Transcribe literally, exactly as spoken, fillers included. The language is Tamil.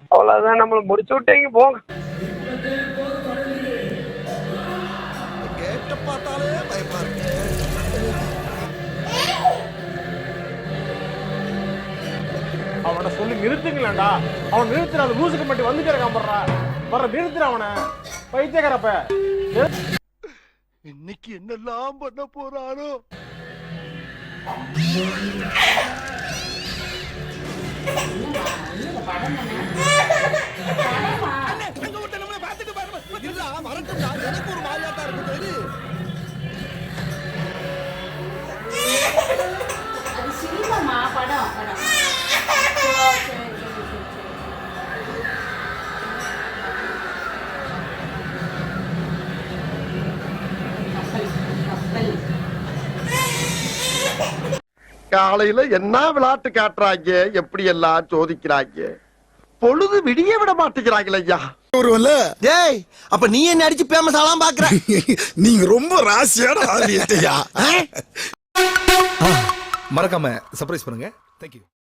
அவ்வளவுதான், நம்மள முடிச்சு விட்டீங்க போங்க. கேட்ட பார்த்தாலே பயமா இருக்கு. அவனை சொல்லி நிறுத்துங்களேன்டா. அவன் நிறுத்துற அந்த லூசுக்கு மட்டும் வந்து கிடக்காம போடுறா. வர நிறுத்துற அவனை பைத்தியக்காரப்ப. இன்னைக்கு என்னெல்லாம் பண்ண போறானோ. எனக்கு ஒரு மாதிரியாட்டா இருக்கு. அது சினிமா படம் படம் காலையில என்ன விளையாட்டு காட்டுறாங்க, எப்படி எல்லாம் சோதிக்கிறாங்க. பொழுது விடிய விட மாட்டேங்கிறாங்களே ஐயா. ஒருவன்ல டேய், அப்ப நீ என்ன அடிச்சு பேமஸ் ஆலாம் பாக்குற? நீங்க ரொம்ப ராசியான ஆளியா. மறக்காம சர்ப்ரைஸ் பண்ணுங்க. தேங்க்யூ.